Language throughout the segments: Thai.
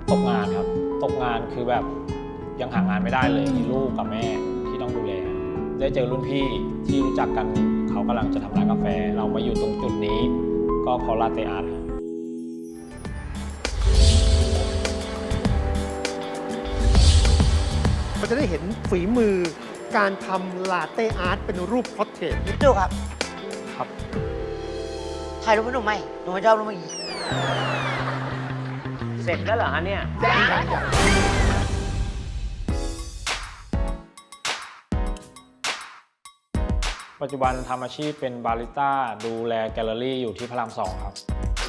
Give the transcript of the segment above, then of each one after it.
ตกงานครับตกงานคือแบบยังหางานไม่ได้เลยมีลูกกับแม่ที่ต้องดูแลได้เจอรุ่นพี่ที่รู้จักกันเขากำลังจะทำร้านกาแฟเรามาอยู่ตรงจุดนี้ก็เพราะลาเต้อาร์ตครับมันจะได้เห็นฝีมือการทำลาเต้อาร์ตเป็นรูปพอร์เทรตพี่ตู่ครับครับถ่ายรูปให้หนูไหมหนูไม่ชอบรูปเมื่อกี้เสร็จแล้วเหรอฮะเนี่ยปัจจุบันทำอาชีพเป็นบาริสต้าดูแลแกลเลอรี่อยู่ที่พระราม2ครับ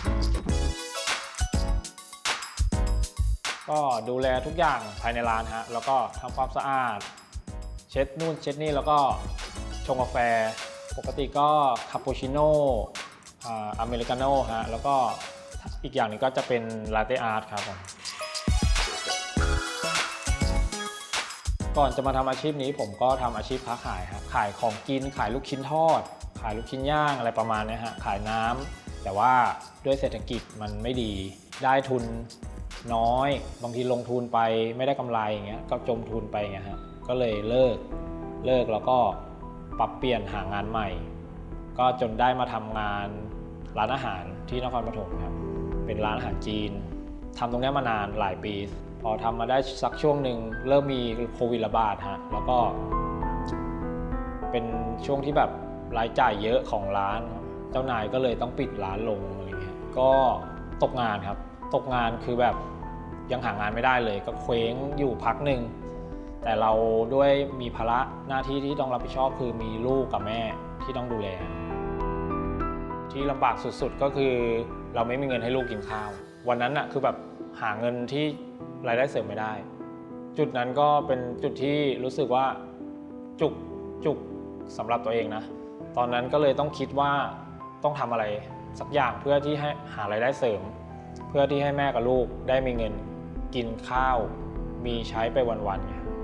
ก็ดูแลทุกอย่างภายในร้านฮะแล้วก็ทำความสะอาดเช็ดนู่นเช็ดนี่แล้วก็ชงกาแฟปกติก็คาปูชิโน่อเมริกาโน่ฮะแล้วก็อีกอย่างหนึงก็จะเป็นลาเต้อาร์ตครับผมก่อนจะมาทำอาชีพนี้ผมก็ทำอาชีพค้าขายครับขายของกินขายลูกชิ้นทอดขายลูกชิ้นย่างอะไรประมาณนี้ฮะขายน้ำแต่ว่าด้วยเศรษฐกิจมันไม่ดีได้ทุนน้อยบางทีลงทุนไปไม่ได้กำไรอย่างเงี้ยก็จมทุนไปอย่างเงี้ยฮะก็เลยเลิกแล้วก็ปรับเปลี่ยนหางานใหม่ก็จนได้มาทำงานร้านอาหารที่นครปฐมครับเป็นร้านอาหารจีนทำตรงนี้มานานหลายปีพอทำมาได้สักช่วงหนึ่งเริ่มมีโควิดระบาดฮะแล้วก็เป็นช่วงที่แบบรายจ่ายเยอะของร้านเจ้านายก็เลยต้องปิดร้านลงอะไรเงี้ยก็ตกงานครับตกงานคือแบบยังหางานไม่ได้เลยก็เคว้งอยู่พักหนึ่งแต่เราด้วยมีภาระหน้าที่ที่ต้องรับผิดชอบคือมีลูกกับแม่ที่ต้องดูแลที่ลำบากสุดๆก็คือเราไม่มีเงินให้ลูกกินข้าววันนั้นน่ะคือแบบหาเงินที่รายได้เสริมไม่ได้จุดนั้นก็เป็นจุดที่รู้สึกว่าจุกสำหรับตัวเองนะตอนนั้นก็เลยต้องคิดว่าต้องทำอะไรสักอย่างเพื่อที่ให้หารายได้เสริมเพื่อที่ให้แม่กับลูกได้มีเงินกินข้าวมีใช้ไปวัน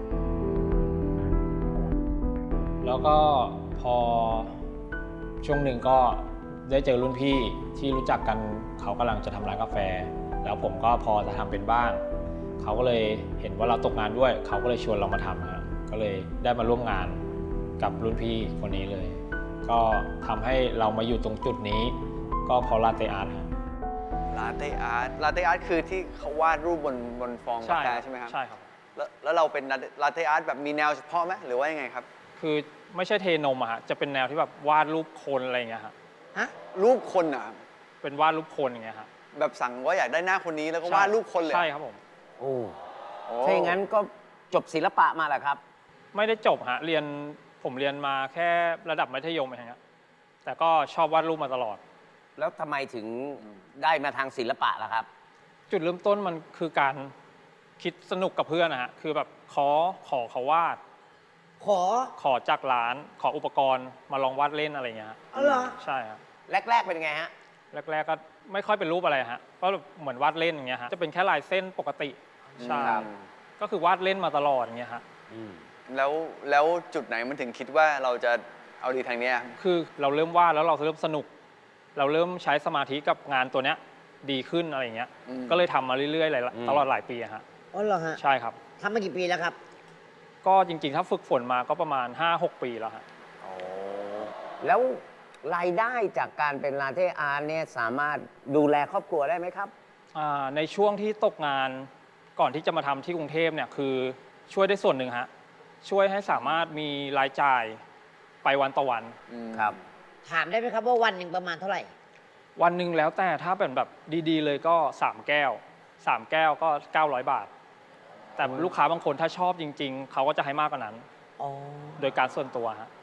ๆแล้วก็พอช่วงหนึ่งก็ได้เจอรุ่นพี่ที่รู้จักกันเขากำลังจะทำร้านกาแฟแล้วผมก็พอจะทำเป็นบ้างเขาก็เลยเห็นว่าเราตกงานด้วยเขาก็เลยชวนเรามาทำครับก็เลยได้มาร่วมงานกับรุ่นพี่คนนี้เลยก็ทำให้เรามาอยู่ตรงจุดนี้ก็เพราะลาเต้อาร์ตครับลาเต้อาร์ตคือที่เขาวาดรูปบนฟองกาแฟใช่ไหมครับใช่ครับแล้วเราเป็นลาเต้อาร์ตแบบมีแนวเฉพาะไหมหรือว่ายังไงครับคือไม่ใช่เทนมอะฮะจะเป็นแนวที่แบบวาดรูปคนอะไรอย่างเงี้ยฮะฮะรูปคนอ่ะเป็นวาดรูปคนอย่างเงี้ยฮะแบบสั่งว่าอยากได้หน้าคนนี้แล้วก็วาดรูปคนเลยใช่ครับผมโอ้โอ้ถ้าอย่างนั้นก็จบศิลปะมาแหละครับไม่ได้จบฮะผมเรียนมาแค่ระดับมัธยมเองครับแต่ก็ชอบวาดรูปมาตลอดแล้วทำไมถึงได้มาทางศิลปะล่ะครับจุดเริ่มต้นมันคือการคิดสนุกกับเพื่อนนะฮะคือแบบขอเขาวาด ขอจากร้านขออุปกรณ์มาลองวาดเล่นอะไรเงี้ยฮะอ๋อเหรอใช่ครับแรก ๆ เป็นไงฮะแรกๆก็ไม่ค่อยเป็นรูปอะไรฮะก็เหมือนวาดเล่นอย่างเงี้ยฮะจะเป็นแค่ลายเส้นปกติใช่ครับก็คือวาดเล่นมาตลอดอย่างเงี้ยฮะแล้วจุดไหนมันถึงคิดว่าเราจะเอาดีทางเนี้ยคือเราเริ่มวาดแล้วเราเริ่มสนุก เราเริ่มใช้สมาธิกับงานตัวเนี้ยดีขึ้นอะไรเงี้ยก็เลยทำมาเรื่อยๆตลอดหลายปีอะฮะอ๋อเหรอฮะใช่ครับทำมากี่ปีแล้วครับก็จริงๆถ้าฝึกฝนมาก็ประมาณ 5-6 ปีแล้วฮะแล้วรายได้จากการเป็นลาเต้อาร์ตเนี่ยสามารถดูแลครอบครัวได้ไหมครับในช่วงที่ตกงานก่อนที่จะมาทำที่กรุงเทพเนี่ยคือช่วยได้ส่วนหนึ่งฮะช่วยให้สามารถมีรายจ่ายไปวันต่อวันครับถามได้ไหมครับว่าวันหนึ่งประมาณเท่าไหร่วันหนึ่งแล้วแต่ถ้าเป็นแบบดีๆเลยก็3 แก้ว3 แก้วก็900 บาท แต่ลูกค้าบางคนถ้าชอบจริงๆเขาก็จะให้มากกว่านั้นอ๋อโดยการส่วนตัวฮะ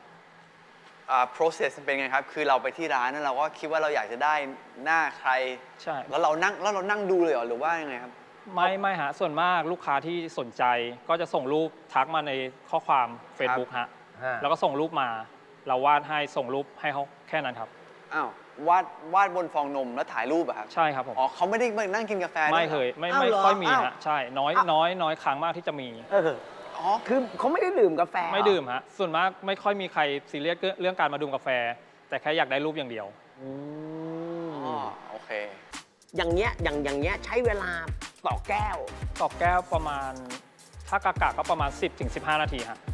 process เป็นไงครับคือเราไปที่ร้านแล้วเราก็คิดว่าเราอยากจะได้หน้าใครใช่แล้วเรานั่งดูเลยเหรอหรือว่ายังไงครับไม่ฮะส่วนมากลูกค้าที่สนใจก็จะส่งรูปทักมาในข้อความ Facebook ฮะแล้วก็ส่งรูปมาเราวาดให้ส่งรูปให้เขาแค่นั้นครับอ้าววาดบนฟองนมแล้วถ่ายรูปอะครับใช่ครับผมอ๋อเขาไม่ได้มานั่งกินกาแฟด้วยไม่หรอเคยไม่อ้าวเหรอค่อยมีอ้าวฮะใช่น้อยครั้งมากที่จะมีอ๋อคือเขาไม่ได้ดื่มกาแฟไม่ดื่มฮะส่วนมากไม่ค่อยมีใครซีเรียสเรื่องการมาดื่มกาแฟ แต่แค่อยากได้รูปอย่างเดียวอ๋อโอเคอย่างเงี้ยใช้เวลาต่อแก้วต่อแก้วประมาณถ้ากากก็ประมาณ 10-15 นาทีฮะ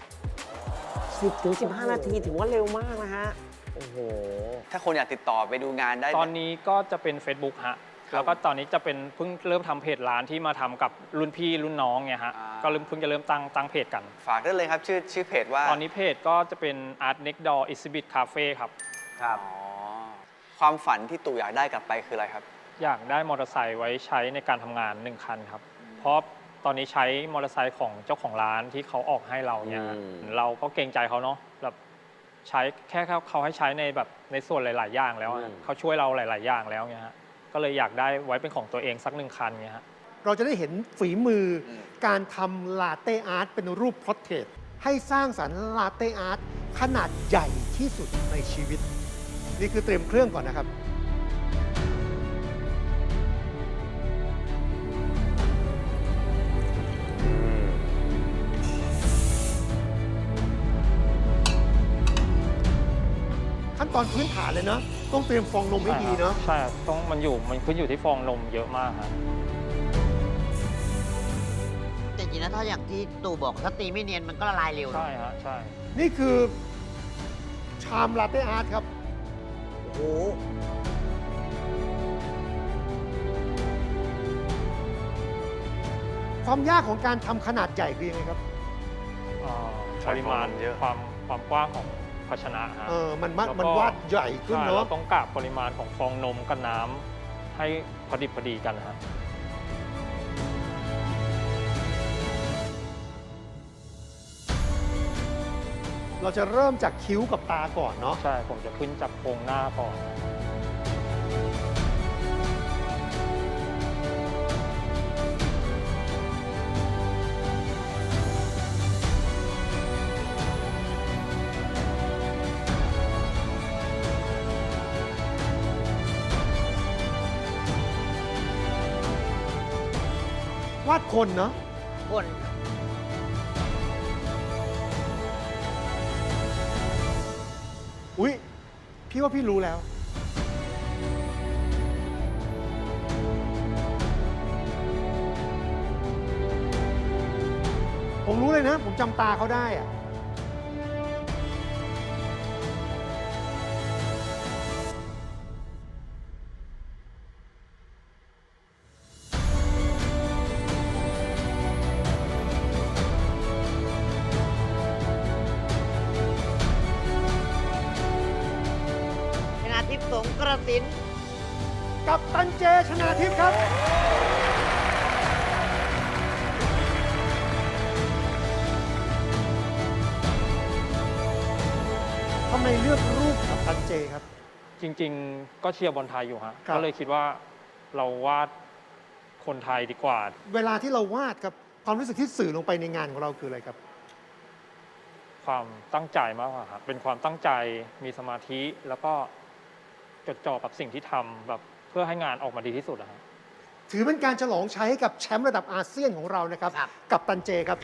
10-15 นาทีถือว่าเร็วมากนะฮะ โอ้โหถ้าคนอยากติดต่อไปดูงานได้ตอนนี้ก็จะเป็น Facebook ฮะ แล้วก็ตอนนี้จะเป็นเพิ่งเริ่มทำเพจร้านที่มาทำกับรุ่นพี่รุ่นน้องเนี่ยฮะ ก็เพิ่งจะเริ่มตั้งเพจกันฝากได้เลยครับชื่อเพจว่าตอนนี้เพจก็จะเป็น Art Next Door Exhibit Cafe ครับครับอ๋อความฝันที่ตู่อยากได้กลับไปคืออะไรครับอยากได้มอเตอร์ไซค์ไว้ใช้ในการทำงาน1 คันครับ เพราะตอนนี้ใช้มอเตอร์ไซค์ของเจ้าของร้านที่เขาออกให้เราเนี่ยฮะ เราก็เกรงใจเขาเนาะแบบใช้แค่เขาให้ใช้ในแบบในส่วนหลาย ๆ อย่างแล้วอะเขาช่วยเราหลาย ๆ อย่างแล้วเนี่ยฮะก็เลยอยากได้ไว้เป็นของตัวเองสัก1 คันเนี่ยฮะเราจะได้เห็นฝีมือการทำลาเต้อาร์ตเป็นรูปพอร์เทรตให้สร้างสรรค์ลาเต้อาร์ตขนาดใหญ่ที่สุดในชีวิต นี่คือเตรียมเครื่องก่อนนะครับ ขั้นตอนพื้นฐานเลยเนาะต้องเตรียมฟองนมให้ดีเนาะใช่ครับต้องมันขึ้นอยู่ที่ฟองนมเยอะมากครับแต่จริงๆนะถ้าอย่างที่ตู่บอกถ้าตีไม่เนียนมันก็ละลายเร็วใช่ฮะใช่นี่คือชามลาเต้อาร์ตครับโอ้โหความยากของการทำขนาดใหญ่คือยังไงครับปริมาณเยอะความกว้างของภาชนะฮะมันแล้วก็มันวาดใหญ่ขึ้นใช่เนาะเราต้องกะปริมาณของฟองนมกับน้ำให้พอดีกันฮะเราจะเริ่มจากคิ้วกับตาก่อนเนาะใช่ผมจะขึ้นจากโครงหน้าก่อนวาดคนเนาะคนอุ๊ย พี่ว่าพี่รู้แล้ว ผมรู้เลยนะ ผมจำตาเขาได้อะชนะทิพย์สงกระสินกับตันเจชนาทิพย์ครับ ทำไมเลือกรูปกับตันเจครับจริง ๆ ก็เชียร์บอลไทยอยู่ฮะครับก็เลยคิดว่าเราวาดคนไทยดีกว่าเวลาที่เราวาดครับ ความรู้สึกที่สื่อลงไปในงานของเราคืออะไรครับความตั้งใจมากกว่าครับเป็นความตั้งใจมีสมาธิแล้วก็จดจ่อกับสิ่งที่ทำแบบเพื่อให้งานออกมาดีที่สุดนะฮะถือเป็นการฉลองชัยให้กับแชมป์ระดับอาเซียนของเรานะครับครับกับตันเจครับ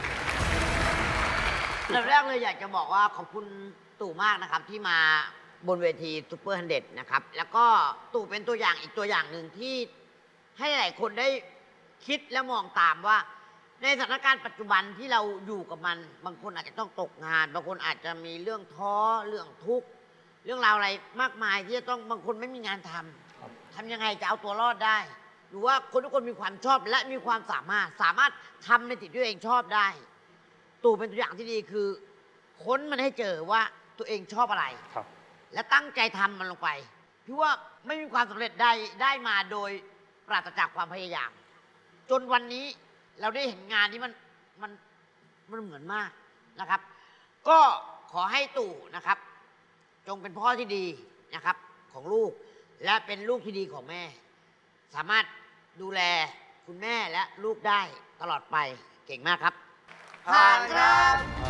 อันดับแรกเลยอยากจะบอกว่าขอบคุณตู่มากนะครับที่มาบนเวทีซูเปอร์ฮันเด็ดนะครับ แล้วก็ตู่เป็นตัวอย่างอีกตัวอย่างหนึ่งที่ให้หลายคนได้คิดและมองตามว่า ในสถานการณ์ปัจจุบันที่เราอยู่กับมัน บางคนอาจจะต้องตกงาน บางคนอาจจะมีเรื่องท้อเรื่องทุกข์เรื่องราวอะไรมากมายที่จะต้องบางคนไม่มีงานทำทำยังไงจะเอาตัวรอดได้ หรือว่าคนทุกคนมีความชอบและมีความสามารถทำในสิ่งที่ตัวเองชอบได้ ตู่เป็นตัวอย่างที่ดีคือ ค้นมันให้เจอว่าตัวเองชอบอะไรครับและตั้งใจทำมันลงไปพี่ว่าไม่มีความสำเร็จได้มาโดยปราศจากความพยายาม จนวันนี้เราได้เห็นงานที่มันเหมือนมากนะครับ ก็ขอให้ตู่นะครับ จงเป็นพ่อที่ดีนะครับของลูก และเป็นลูกที่ดีของแม่ สามารถดูแลคุณแม่และลูกได้ตลอดไปเก่งมากครับผ่านครับ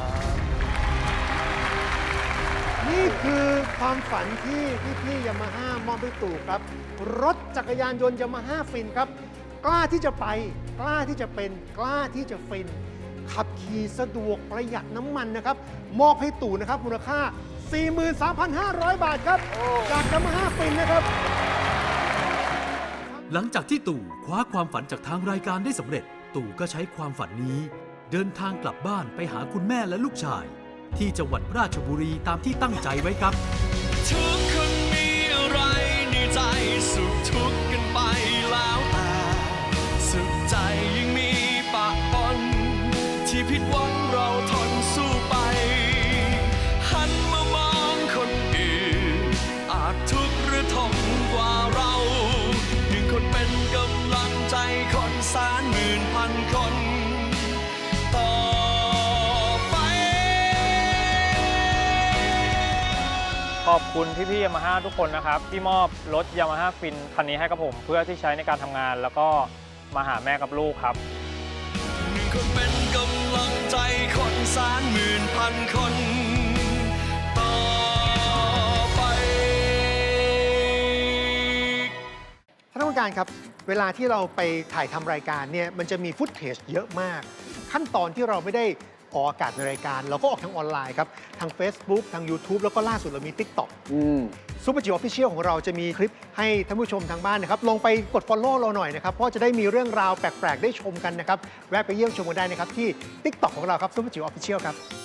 นี่คือความฝันที่พี่ยามาฮ่ามอบให้ตู่ครับ รถจักรยานยนต์ยามาฮ่าฟินครับ กล้าที่จะไป กล้าที่จะเป็น กล้าที่จะฟิน ขับขี่สะดวกประหยัดน้ำมันนะครับ มอบให้ตู่นะครับมูลค่า 43,500 บาทครับ จากยามาฮ่าฟินนะครับหลังจากที่ตู่คว้าความฝันจากทางรายการได้สำเร็จ ตู่ก็ใช้ความฝันนี้ เดินทางกลับบ้านไปหาคุณแม่และลูกชาย ที่จังหวัดราชบุรีตามที่ตั้งใจไว้ครับทุกคนมีอะไรในใจสุขทุกข์กันไปแล้วแต่สุขใจยังมีปะปนที่ผิดหวังเราทนสู้ไปหันมามองคนอื่นอาจทุกข์หรือทนกว่าเราหนึ่งคนเป็นกำลังใจคนแสนหมื่นพันคนต่อไปขอบคุณพี่ๆยามาฮ่าทุกคนนะครับที่มอบรถยามาฮ่าฟินคันนี้ให้กับผมเพื่อที่ใช้ในการทำงาน แล้วก็มาหาแม่กับลูกครับหนึ่งคนเป็นกำลังใจคนแสนหมื่นพันคนต่อไปท่านผู้การครับ เวลาที่เราไปถ่ายทำรายการเนี่ยมันจะมีฟุตเทจเยอะมาก ขั้นตอนที่เราไม่ได้ออกอากาศในรายการ เราก็ออกทางออนไลน์ครับ ทาง Facebook ทาง YouTube แล้วก็ล่าสุดเรามี TikTok ซูเปอร์จิ๋วออฟฟิเชียลของเราจะมีคลิปให้ท่านผู้ชมทางบ้านนะครับลงไปกด Follow เราหน่อยนะครับ เพราะจะได้มีเรื่องราวแปลก ๆ ได้ชมกันนะครับ แวะไปเยี่ยมชมกันได้นะครับที่ TikTok ของเราครับซูเปอร์จิ๋วออฟฟิเชียลครับ